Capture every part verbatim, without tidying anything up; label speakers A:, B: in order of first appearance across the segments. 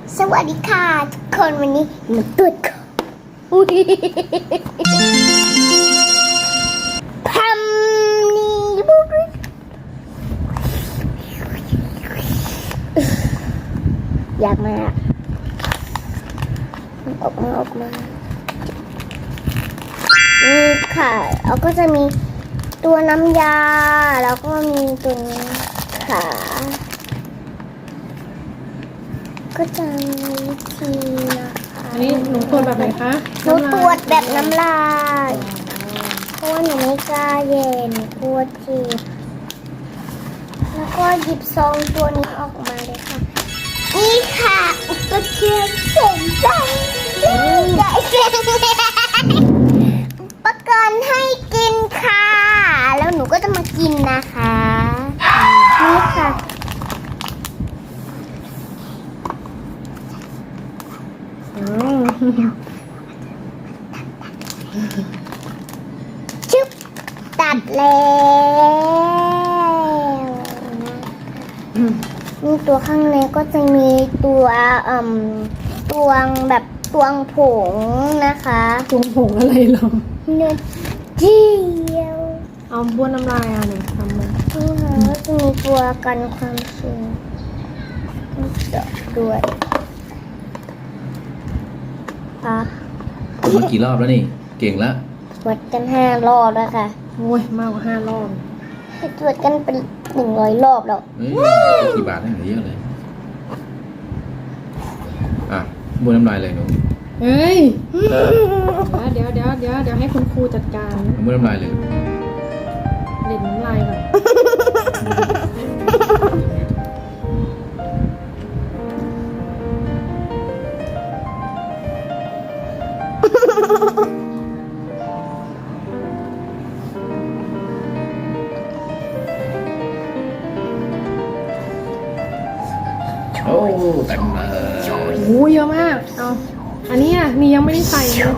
A: สวัสดีค่ะทุกคนวันนี้มาตรวจของอุ้ยพัมนี่บุ๊กอยากมาออกมาออกมานี่ค่ะแล้วก็จะมีตัวน้ำยาแล้วก็มีตัวนี้ค่ะก็จะมีวิธีนะคะ
B: อันนี้หนูตรวจแบบไหนคะ
A: หนูตรวจแบบน้ำลายเพราะว่าหนูไม่กล้าเย็นกลัวเจ็บแล้วก็หยิบซองตัวนี้ออกมาเลยค่ะนี่ค่ะอุปกรณ์เสริมใจใหญ่อุปกรณ์ให้กินค่ะแล้วหนูก็จะมากินนะคะนี่ค่ะชึบตัดแล้วนี่ตัวข้างในก็จะมีตัวอืมตวงแบบตวงผงนะคะ
B: ตวงผงอะไรหรอ
A: เนื้อเจียว
B: เอาบ้วนน้ำลายอ่ะหนูทำมา
A: นี่ค่ะก็จะมีตัวกันความชื้นด้วยอ่ะ
C: มากี่รอบแล้วนี่ เก่งแล้ว
A: ตรวจกันห้ารอบแล้วค่ะ
B: โอ้ยมากกว่าห้ารอบ
A: ไปตรวจกันเป็นหนึ่งร้อยรอบแล้ว
C: เฮ้ยกี่บาทได้เหลือเยอะเลย อ่ะบ้วนน้ำลายเลยหนู
B: เฮ้ยเดี๋ยวเดี๋ยวเดี๋ยวเดี๋ยวให้คุณครูจัดการ
C: เอาบ้วนน้ำลายเลย
B: เด็ดน้ำลายก่อน
C: โอ้เต็มเลย
B: โอ้เยอะมากเอาอันนี้อ่ะนี่ยังไม่ได้ใส่เลย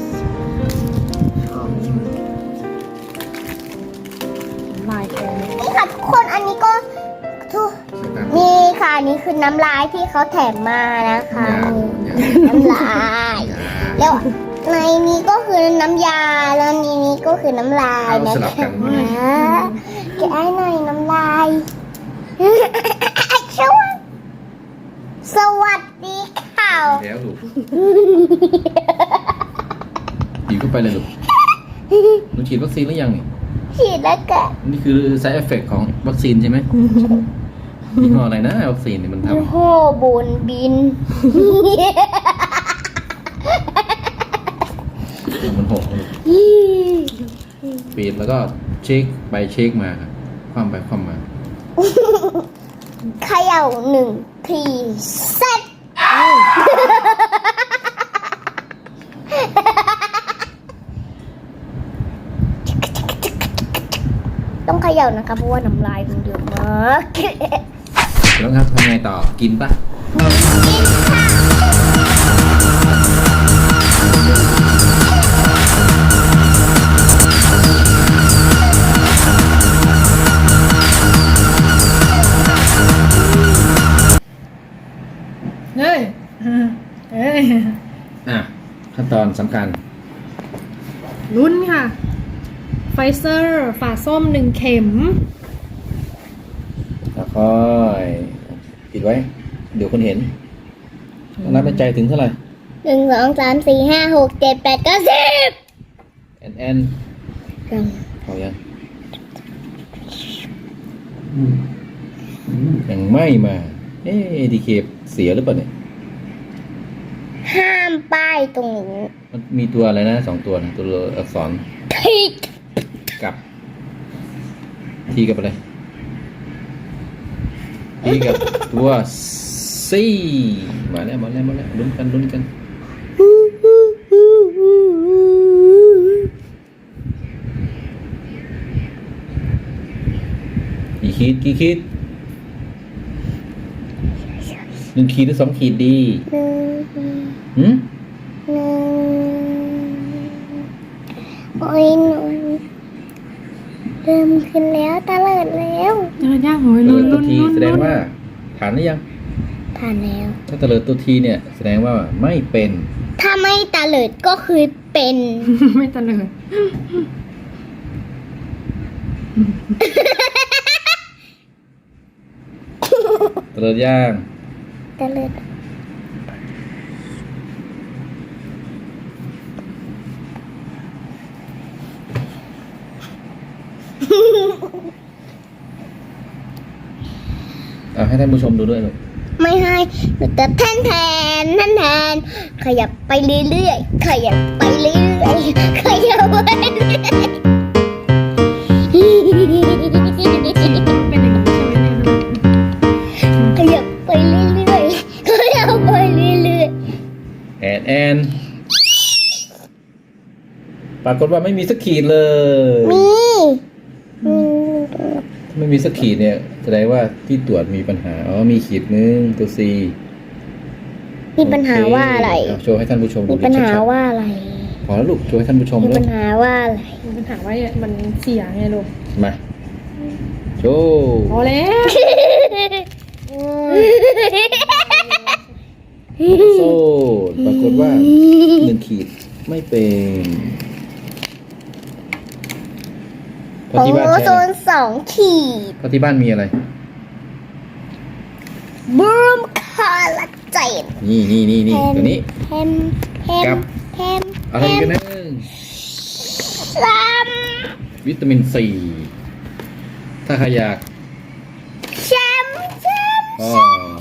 B: น้ำลายแกง
A: นี่ค่ะทุกคนอันนี้ก็ทุกนี่ค่ะอันนี่คือน้ำลายที่เขาแถมมานะคะนี่น้ำลายแล้วในนี้ก็คือน้ำยาแล้วในนี้ก็คือน้ำลาย
C: เอา
A: นะ
C: สลับ
A: คะ
C: กัน
A: แกะให้หน่อยน้ำลายสวัสสวัสดีค่ะ
C: แล้วลูกฉีดเข้าไปเลยลูกหนูฉีดวัคซีนหรือยังนี่
A: ฉีดแล้วแกะ
C: นี่คือ side effect ของวัคซีนใช่ไหมยี่ห้ออะไรนะวัคซีนเนี่ยมันท
A: โอ้โหบนบิน
C: ำมันหกลูกปีดแล้วก็เช็คไปเช็คมาครับคว่ำไปคว่ำมา
A: เขย่าหนึ่งทีเสร็จต้องเขย่านะคะเพราะว่าน้ำลายมันเยอะมาก
C: แล้วครับทำไงต่อกินปะ
B: เฮ้ยเฮ้ย
C: อ่ะขั้นตอนสำคัญ
B: ลุ้นค่ะไฟเซอร์ฝาส้มหนึ่งเข็ม
C: แล้วค่อยปิดไว้ เดี๋ยวคนเห็นนับในใจถึงเท่าไหร่
A: หนึ่งสองสามสี่ห้าหกเจ็ดแปดเก้าสิบ
C: แอนแอนพอยังยังไม่มา เอ๊ะดีเคเสียหรือเปล่าเนี่ย
A: ห้ามป้ายตรงนี้
C: มันมีตัวอะไรนะสองตัวนะตัวอักษร
A: ทิก
C: กับทีกับอะไรทีกับตัวซีมาแล้วมาแล้วมาแล้วลุ้นกันลุ้นกันกี่ขีดกี่ขีดหนึ่งขีดหรือสองขีดดี
A: หนึ่ง
C: หืม
A: หนึ่งโอ้ยหนูเริ่มขึ้นแล้วตะเลิดแล้ว
B: เจอย่างโหย
C: เอ
B: ลุ้
C: อน
B: ลุ้น
C: ที
B: ลุ้น
C: แสดงว่าผ่านหรือยัง
A: ยผ่านแล้ว
C: ถ้าตะเลิดตัวทีเนี่ยแสดงว่าไม่เป็น
A: ถ้าไม่ตาเลิดก็คือเป็น
B: ไม่ตะเลย
C: ตะเลิดย่าง
A: ตาเลิด
C: เอาให้ท่านผู้ชมดูด้วยลูก
A: ไม่ให้หนูจะแทนแทนแทนแทนขยับไปเรื่อยๆขยับไปเรื่อยๆขยับไปเรื่อย
B: เป็นอย่างนี้ใช่ไหมเนี่ย
A: ๆขยับไปเรื่อยๆขยับไปเรื่อย
C: แอนแอนปรากฏว่าไม่มีสักขีดเลย
A: ๆมีมี
C: ถ้าไม่มีสักขีดเนี่ยแสดงว่าที่ตรวจมีปัญหาอ๋อมีขีดหนึ่งตัว C
A: มีปัญหาว่าอะไร
C: โเคเาโชว์ให้ท่านผู้ชมดู
A: มีปัญหา
C: ชัด
A: ว่าอะไร
C: ๆพอแล้วลูกโชว์ให้ท่านผู้ชม
A: มี
C: ด้ว
A: ปั
C: ย
A: ญหาว่าอะไร
B: มีปัญหาว่ามันเสียไงลูก
C: มาโชว์
B: พอแล้ว
C: โซ่ปรากฏว่าหนึ่งขีดไม่เป็นเพ
A: ข
C: ราะ
A: อง
C: ที่บ้าน
A: โอ
C: ใช้
A: โซ
C: อะไร
A: นสองขีด
C: เพราะที่บ้านมีอะไร
A: บูมคอลลาเจน
C: นี่นี่นี่นี่ตัวนี้
A: แฮมแฮ
C: กั
A: ม
C: บ
A: แฮม
C: อะไรกันนะ
A: ซ้
C: วิตามินซีถ้าใครอยาก
A: ำแชมป์แชมป์
C: ก็